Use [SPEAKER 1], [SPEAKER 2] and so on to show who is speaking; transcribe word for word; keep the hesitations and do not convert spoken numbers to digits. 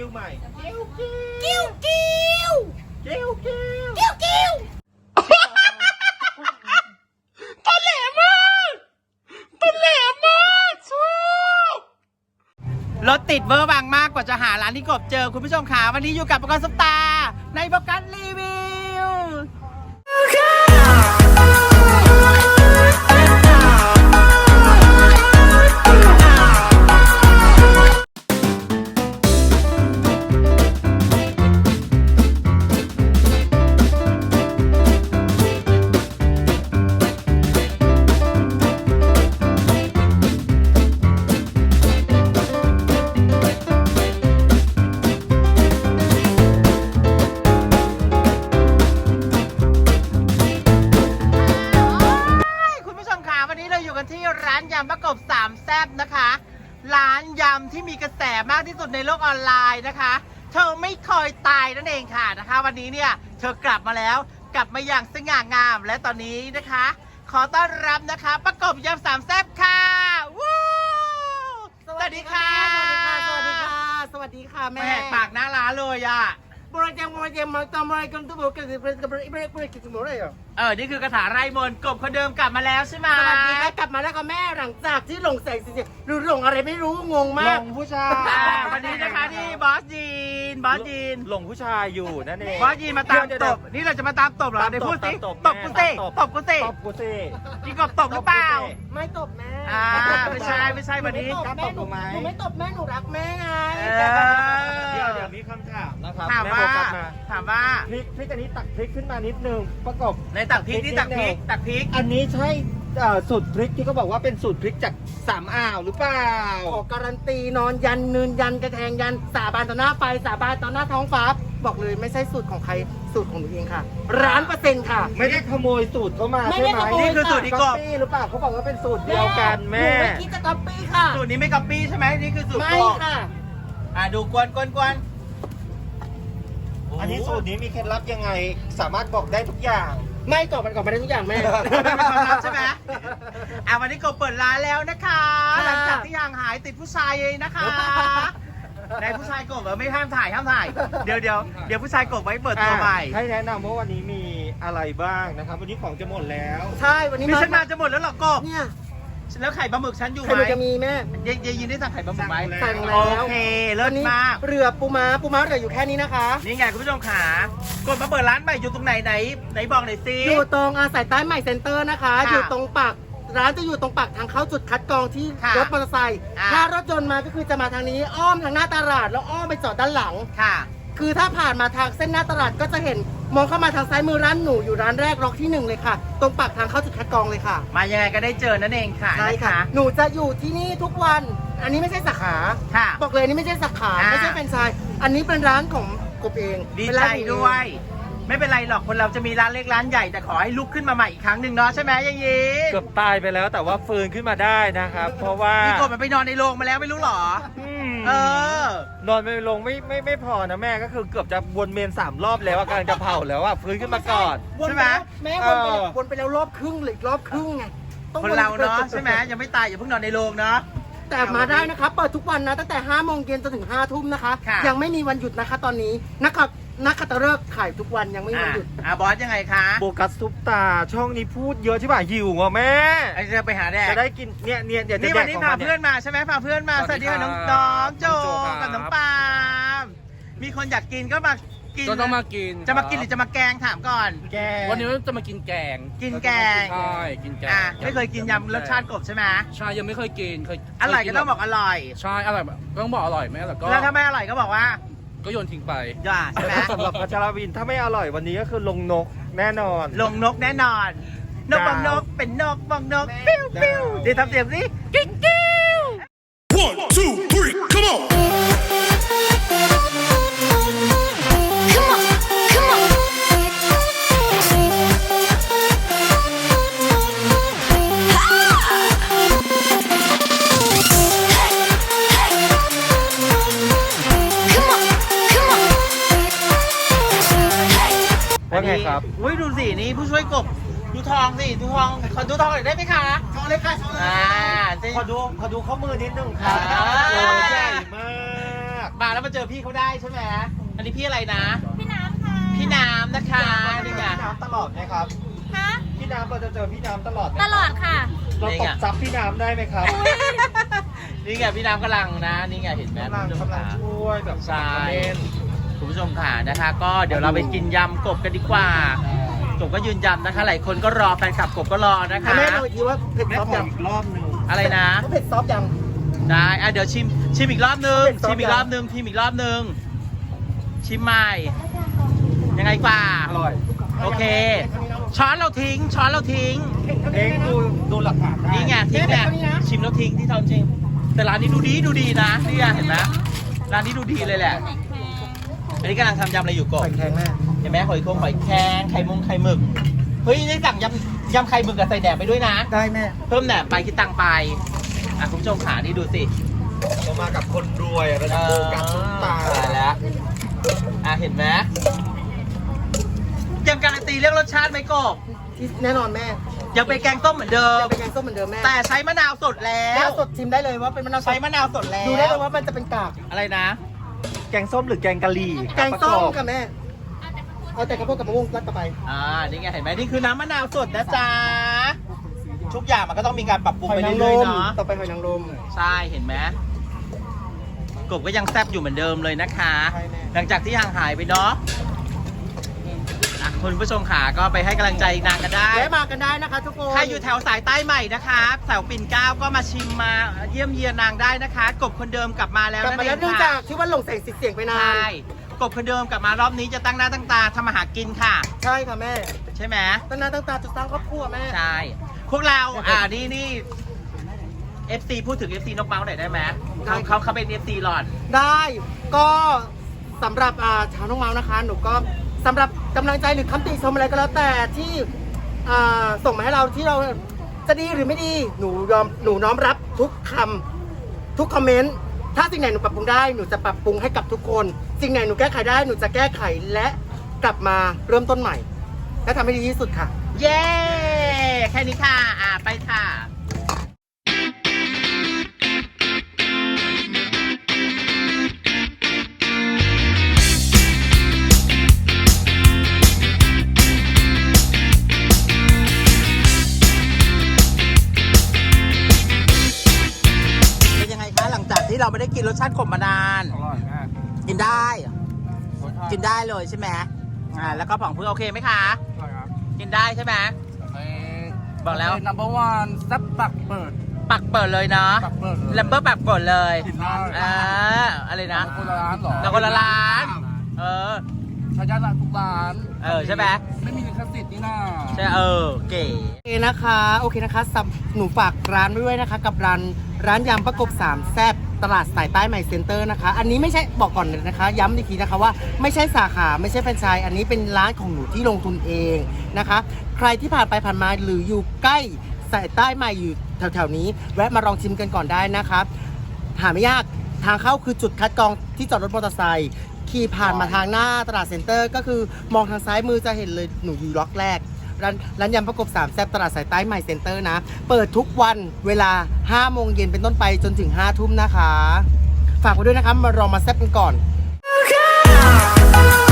[SPEAKER 1] ใหม่กิ้ว
[SPEAKER 2] กิ้วกิ้ว
[SPEAKER 1] กิ้วกิ้ว
[SPEAKER 2] กิ้วกิ้ว
[SPEAKER 3] ตะแหลมากตะแหลมมากชอบรถติดเวอร์วังมากกว่าจะหาร้านที่กบเจอคุณผู้ชมขาวันนี้อยู่กับประกันซุปตาในประกันรีวิวที่ร้านยำประกบสามแซ่บนะคะร้านยำที่มีกระแสมากที่สุดในโลกออนไลน์นะคะเธอไม่เคยตายนั่นเองค่ะนะคะวันนี้เนี่ยเธอกลับมาแล้วกลับมาอย่างสง่างามและตอนนี้นะคะขอต้อนรับนะคะประกบยำสามแซ่บค่ะวู้สวัสดีค่ะ
[SPEAKER 2] สวัสดีค่ะสวัสดีค่ะแม่
[SPEAKER 3] แหกปากหน้าร้านเลยอ่ะ
[SPEAKER 2] บริการบริการมาทำอะไรกันทุกคนกันบริการบริการบริการสมุนไพรเหรอ
[SPEAKER 3] เออนี่คือกระถาไร่มนต์กบคนเดิมกลับมาแล้วใช่ไหม
[SPEAKER 2] สวัสดีค่ะกลับมาแล้วค่ะแม่หลังจากที่หลงแสงสีหรือหลงอะไรไม่รู้งงมาก
[SPEAKER 1] หลงผู้ชาย
[SPEAKER 3] วันนี้นะคะที่บอสยีนบอสยีน
[SPEAKER 1] หลงผู้ชายอยู่นั่นเอง
[SPEAKER 3] บอสยีนมาตามตบนี่เราจะมาตามตบเหรอเดี๋ยวพูดสิตบกูสิตบกูสิ
[SPEAKER 1] ตบกูสิ
[SPEAKER 3] พี่กบตบหรือเปล่า
[SPEAKER 2] ไม่ตบแม่
[SPEAKER 3] อ่าไม่ใช่ไม่ใช่วันนี้
[SPEAKER 2] แม่หนูหนูไม่ตบแม่หนูรักแม่ไง
[SPEAKER 1] เดี๋ยวเดี๋ยวมีคำถามนะครับ
[SPEAKER 3] ถามว่าถามว่า
[SPEAKER 1] พริกพริกอันนี้ตักพริกขึ้นมานิดนึงประกบ
[SPEAKER 3] ในตักพริกนี่ตักพริกตักพริก
[SPEAKER 1] อันนี้ใช่สูตรพริกที่เขาบอกว่าเป็นสูตรพริกจากสามอ่าวหรือเปล่า
[SPEAKER 2] ขอการันตีนอนยันนืนยันกระแทงยันสาบานต่อหน้าไฟสาบานต่อหน้าท้องฟ้าบอกเลยไม่ใช่สูตรของใครสูตรของหนูเองค่ะร้านเปอร์เซ็นต์ค่ะ
[SPEAKER 1] ไม่ได้ขโมยสูตรเขามาใช่ไหม
[SPEAKER 3] นี่คือสูตรที่กบ
[SPEAKER 1] หรือเปล่าเขาบอกว่าเป็นสูตรเดียวกันแม่
[SPEAKER 2] หนูไม่คิดจะก๊อปปี้ค่ะ
[SPEAKER 3] สูตรนี้ไม่ก๊อปปี้ใช่ไหมนี่คือสูตร
[SPEAKER 2] ไม่ค่ะ
[SPEAKER 3] อ่าดูกวนกวนกวน
[SPEAKER 1] อันนี้สูตรนี้มีเคล็ดลับยังไงสามารถบอกได้ทุกอย่าง
[SPEAKER 2] ไม่ตอบมันก่อนไปได้ทุกอย่างแม่
[SPEAKER 3] เป็นความลับใช่ไหมอ่ะวันนี้กบเปิดร้านแล้วนะคะหลังจากที่ห่างหายติดผู้ชายเลยนะคะในผู้ชายกบไม่ห้ามถ่ายห้ามถ่ายเดี๋ยวเดี๋ยวเดี๋ยวผู้ชายกบไว้เปิดตัวใหม่
[SPEAKER 1] ให้แนะนำว่าวันนี้มีอะไรบ้างนะครับวันนี้ของจะหมดแล้ว
[SPEAKER 2] ใช่วันนี้
[SPEAKER 3] มีฉันมาจะหมดแล้วหรอกบ
[SPEAKER 2] เนี่ย
[SPEAKER 3] แล้วไข่ปลาหมึกฉันอยู่ไหม
[SPEAKER 2] ไข่หมึกจะมีแม่
[SPEAKER 3] เยยินได้สั่งไข่ปลาหมึกไหม
[SPEAKER 2] สั่งแล้ว
[SPEAKER 3] โอเคเลิศมาก
[SPEAKER 2] เรือปูม้าปูม้าเหลืออยู่แค่นี้นะคะ
[SPEAKER 3] นี่ไงคุณผู้ชมขากดมาเปิดร้านใหม่อยู่ตรงไหนไหนไหนบอกหน่อยสิ
[SPEAKER 2] อยู่ตรงอาศัยใต้ใหม่เซ็นเตอร์นะคะอยู่ตรงปากร้านจะอยู่ตรงปากทางเข้าจุดคัดกรองที่รถมอเตอร์ไซค์ถ้ารถยนต์มาก็คือจะมาทางนี้อ้อมทางหน้าตลาดแล้วอ้อมไปจอดด้านหลัง
[SPEAKER 3] ค่ะ
[SPEAKER 2] คือถ้าผ่านมาทางเส้นหน้าตลาดก็จะเห็นมองเข้ามาทางซ้ายมือร้านหนูอยู่ร้านแรกล็อกที่หนึ่งเลยค่ะตรงปากทางเข้าจุดคัดกรองเลยค่ะ
[SPEAKER 3] มายังไงก็ได้เจอนั่นเองค่ะ
[SPEAKER 2] ใช่ค่ะหนูจะอยู่ที่นี่ทุกวันอันนี้ไม่ใช่สาขาบอกเลยนี่ไม่ใช่สาขาไม่ใช่แฟรนไชส์อันนี้เป็นร้านของกบเอง
[SPEAKER 3] ดีใจด้วยไม่เป็นไรหรอกคนเราจะมีร้านเล็กร้านใหญ่แต่ขอให้ลุกขึ้นมาใหม่อีกครั้งหนึ่งเนาะใช่ไหมยังยี
[SPEAKER 1] เกือบตายไปแล้วแต่ว่าฟื้นขึ้นมาได้นะครับเพราะว่า
[SPEAKER 3] พี่กบมันไปนอนในโรงมาแล้วไม่รู้หรอเอ
[SPEAKER 1] อนอนไปลงไม่ไม่ไม่พอนะแม่ก็คือเกือบจะวนเมนสามรอบแล้วกำลังจะเผาแล้วอ่ะฟื้นขึ้นมาก่อน
[SPEAKER 2] ใช่ไหมแม่วนไปวนไปแล้วรอบครึ่งหรือรอบครึ่งไง
[SPEAKER 3] คนเราเนาะใช่ไหมยังไม่ตายอย่าเพิ่งนอนในโรงเนาะ
[SPEAKER 2] แต่มาได้นะคะเปิดทุกวันนะตั้งแต่ห้าโมงเย็นจนถึงห้าทุ่มนะคะยังไม่มีวันหยุดนะคะตอนนี้นะครับนักขัตฤกษ์ขายทุกวันยังไม่มีวันหยุด
[SPEAKER 3] อ่าบอสยังไงคะ
[SPEAKER 1] โบกัสซุปตาช่องนี้พูดเยอะใช่ป่ะหิวอ่ะแม่
[SPEAKER 3] ไอ้จะไปหาแดก
[SPEAKER 1] จะได้กินเนี่ยเนี่ยเดี๋ยว
[SPEAKER 3] นี่วันนี้พาเพื่อนมาใช่ไหมพาเพื่อนมาสวัสดีค่ะน้องน้องโจกับน้องปามมีคนอยากกินก็มากิน
[SPEAKER 4] ก็ต้องมากิน
[SPEAKER 3] จะมากินหรือจะมาแกงถามก่อน
[SPEAKER 4] แกงวันนี้จะมากินแกง
[SPEAKER 3] กินแกง
[SPEAKER 4] ใช่กินแกง
[SPEAKER 3] ไม่เคยกินยำรสชาติกบใช่ไหม
[SPEAKER 4] ใช่ยังไม่เคยกินเคย
[SPEAKER 3] อร่อยก็ต้องบอกอร่อย
[SPEAKER 4] ใช่อร่อยต้องบอกอร่อยไหมแล้วก็
[SPEAKER 3] แล้วถ้าไม่อร่อยก็บอกว่า
[SPEAKER 4] ก็โยนทิ้งไป
[SPEAKER 3] ย่าใช่ไหม
[SPEAKER 1] สำหรับพัชรวินถ้าไม่อร่อยวันนี้ก็คือลงนกแน่นอน
[SPEAKER 3] ลงนกแน่นอนนกบางนกเป็นนกบางนกปิ้วปิ้วเดี๋ยวทำเสียงสิกิ๊กกิ๊ว
[SPEAKER 5] one two three come on
[SPEAKER 1] ว่าไงครับ
[SPEAKER 3] อุ้ยดูสินี่ผู้ช่วยกบดูทองสิดูทองขอดูทองหน่อยได้ไหมคะ
[SPEAKER 2] ทองเลยค่ะทองเลย
[SPEAKER 3] อ่า
[SPEAKER 1] ขอดูขอดูข้อมือนิดนึงค่ะใหญ่มาก
[SPEAKER 3] มาแล้วมามาเจอพี่เขาได้ใช่ไหมอันนี้พี่อะไรนะ
[SPEAKER 6] พี่น้ำค่ะ
[SPEAKER 3] พี่น้ำนะคะนี่ไง
[SPEAKER 1] พี่น้ำตลอดไหมครับ
[SPEAKER 6] ฮะ
[SPEAKER 1] พี่น้ำเราจะเจอพี่น้ำตลอดไหม
[SPEAKER 6] ตลอดค่ะ
[SPEAKER 1] เราตบซับพี่น้ำได้ไหมครับ
[SPEAKER 3] นี่ไงพี่น้ำกำลังนะนี่ไงเห็นไหม
[SPEAKER 1] กำลัง
[SPEAKER 3] คุณผู้ชม
[SPEAKER 1] กำลัง
[SPEAKER 3] ค่ะ
[SPEAKER 1] ช่วยแบบ
[SPEAKER 3] ใช่
[SPEAKER 1] เล่น
[SPEAKER 3] คุณผู้ชมค่ะนะคะ ก็เดี๋ยวเราไปกินยำกบกันดีกว่ากบก็ยืนยันนะคะ หลายคนก็รอแฟนคลับกบก็รอนะคะ
[SPEAKER 2] แม่ลองอีกทีว่าเผ็ด
[SPEAKER 1] แม่
[SPEAKER 2] ซอฟ
[SPEAKER 1] ข
[SPEAKER 2] ต์
[SPEAKER 1] อ
[SPEAKER 2] ยัง
[SPEAKER 1] อีกรอบหนึ่ง
[SPEAKER 3] อะไรนะ
[SPEAKER 2] เผ็ดซอฟต์ยัง
[SPEAKER 3] ได้อ่ะเดี๋ยวชิมชิมอีกรอบนึง
[SPEAKER 2] เป็นซอส
[SPEAKER 3] ชิมอีกรอบนึงชิมอีกรอบนึงชิมใหม่ยังไงกว่า
[SPEAKER 1] อร่อย
[SPEAKER 3] โอเค ช้อนเราทิ้ง ช้อนเราทิ้ง
[SPEAKER 1] เองดูดูหลักฐานได้
[SPEAKER 3] นี่ไงทิ้งไงชิมแล้วทิ้งที่ทำจริง แต่ร้านนี้ดูดีดูดีนะนี่ไงเห็นไหมร้านนี้ดูดีเลยแหละ อันนี้กำลังทำยำอะไรอยู่ก่อ
[SPEAKER 2] ไข่
[SPEAKER 3] น
[SPEAKER 2] แข็งแม่
[SPEAKER 3] เห็นไหมหอยโข่งหอยแครงไข่มงไข่หมึกเฮ้ยได้สั่งยำยำไข่หมึกกับใส่แหนมไปด้วยนะ
[SPEAKER 2] ได้แม่
[SPEAKER 3] เพิ่มแหนมไปคิดตังค์ไปอ่ะคุณผู้ชมขานี่ดูสิ
[SPEAKER 1] เรามากับคนรวยระดับโบกัสซุปตา
[SPEAKER 3] ตายแล้วอ่ะเห็นไหมยังการันตีเรื่องรสชาติไหมกบ
[SPEAKER 2] ที่แน่นอนแม่
[SPEAKER 3] ยังเป็นแกงต้มเหมือนเดิม
[SPEAKER 2] จะเป็นแกงส้มเหมือนเดิมแม่
[SPEAKER 3] แต่ใช้มะนาวสดแล้
[SPEAKER 2] แล้ว วสดชิมได้เลยว่าเป็นมะนาวสด
[SPEAKER 3] ใช้มะนาวสดแล้ว
[SPEAKER 2] ดูได้เลยว่ามันจะเป็นกาก
[SPEAKER 3] อะไรนะ
[SPEAKER 1] แกงส้มหรือแกงกะหรี่
[SPEAKER 2] แกงส้ม
[SPEAKER 1] ประอบ
[SPEAKER 2] กับแม่ เอาแต่กระเพาะกับมะม่วงรัดต่อไป
[SPEAKER 3] อ่า นี่ไงเห็นไหมนี่คือน้ำมะนาวสดนะจ๊ะ ทุกอย่างมันก็ต้องมีการปรับปรุง
[SPEAKER 2] หอ
[SPEAKER 3] ไป
[SPEAKER 2] ยนางร
[SPEAKER 3] เรื่อย
[SPEAKER 2] ม
[SPEAKER 3] ๆเนาะ
[SPEAKER 2] ต่อไปหอยนางรม
[SPEAKER 3] ใช่เห็นไหมกบก็ยังแซ่บอยู่เหมือนเดิมเลยนะคะ
[SPEAKER 2] ใช่แน่
[SPEAKER 3] หลังจากที่ห่างหายไปเนาะอ่ะคุณผู้ชมขาก็ไปให้กำลังใจนางกันได้
[SPEAKER 2] แวะมากันได้นะคะทุกคน
[SPEAKER 3] ถ้าอยู่แถวสายใต้ใหม่นะคะแถวปิ่นเกล้าก็มาชิมมาเยี่ยมเยียนนางได้นะคะ กบคนเดิมกลับมาแล้ว
[SPEAKER 2] กลับ
[SPEAKER 3] นั่น
[SPEAKER 2] มา
[SPEAKER 3] เอ
[SPEAKER 2] แล้ว
[SPEAKER 3] ง
[SPEAKER 2] เนื่อง
[SPEAKER 3] ค่ะ
[SPEAKER 2] จากที่ว่าหลงแสงสีเสียงไปนา
[SPEAKER 3] ใช่
[SPEAKER 2] น
[SPEAKER 3] กบคนเดิมกลับมารอบนี้จะตั้งหน้าตั้งตาทำมาหากินค่ะ
[SPEAKER 2] ใช่ค่ะแม่
[SPEAKER 3] ใช่ไหม
[SPEAKER 2] ตั้งหน้าตั้งตาจุดสร้างครอบครัวแม่
[SPEAKER 3] ใช่ พวกเรา อ่า นี่นี่ เอฟ ซี พูดถึง เอฟ ซี นกเมาส์หน่อยได้ไหมเขาเขาเขาเป็น เอฟ ซี หลอด
[SPEAKER 2] ได้ก็สำหรับอ่าชาวน้องเมาส์นะคะ หนูก็สำหรับกำลังใจหรือคำติชมอะไรก็แล้วแต่ที่อ่าส่งมาให้เราที่เราจะดีหรือไม่ดีหนูยอมหนูน้อมรับทุกคำทุกคอมเมนต์ถ้าสิ่งไหนหนูปรับปรุงได้หนูจะปรับปรุงให้กับทุกคน สิ่งไหนหนูแก้ไขได้หนูจะแก้ไขและกลับมาเริ่มต้นใหม่ และทำให้ดีที่สุดค่ะ
[SPEAKER 3] เย้ แค่นี้ค่ะ อ่า ไปค่ะ เป็นยังไงคะ หลังจากที่เราไม่ได้กินรสชาติขมมานาน
[SPEAKER 4] อร่อยมาก
[SPEAKER 3] กินได้ กินได้เลยใช่ไหมอ่า แล้วก็ผ่องเพื่อโอเคไหมคะ
[SPEAKER 4] อร่อยครับ
[SPEAKER 3] กินได้ใช่ไหม บอกแล้ว
[SPEAKER 4] นัมเบอร์วัน ซับปักเปิด
[SPEAKER 3] ปักเปิดเลยเนาะ
[SPEAKER 4] ปักเปิดเลย
[SPEAKER 3] แลมเบอร์ปักเปิดเลย
[SPEAKER 4] กินได้
[SPEAKER 3] อ่าอะไรนะ
[SPEAKER 4] คนละร้านเหรอ
[SPEAKER 3] เราคนละร้าน เออ
[SPEAKER 4] ใช้ยาละทุกร้าน
[SPEAKER 3] เออใช่ไหม
[SPEAKER 4] ไม่มีลิขสิทธิ์นี่นา
[SPEAKER 3] ใช่ เออ เก๋
[SPEAKER 2] โอเคนะคะโอเคนะคะสับหนูฝากร้านไว้ด้วยนะคะ กับร้านร้านยำประกบสามแซ่บตลาดสายใต้ใหม่เซ็นเตอร์นะคะ อันนี้ไม่ใช่บอกก่อนเลยนะคะ ย้ำอีกทีนะคะว่าไม่ใช่สาขาไม่ใช่แฟรนไชส์อันนี้เป็นร้านของหนูที่ลงทุนเองนะคะ ใครที่ผ่านไปผ่านมาหรืออยู่ใกล้สายใต้ใหม่อยู่แถวๆนี้ แวะมาลองชิมกันก่อนได้นะคะหาไม่ยากทางเข้าคือจุดคัดกรองที่จอดรถมอเตอร์ไซค์ขี่ผ่านมาทางหน้าตลาดเซ็นเตอร์ ก็คือมองทางซ้ายมือจะเห็นเลยหนูอยู่ล็อกแรก ร้านร้านยำประกบสามแซ่บตลาดสายใต้ใหม่เซ็นเตอร์นะ เปิดทุกวันเวลาห้าโมงเย็นเป็นต้นไปจนถึงห้าทุ่มนะคะ ฝากไว้ด้วยนะคะ มาลองมาแซ่บกันก่อน
[SPEAKER 6] Okay.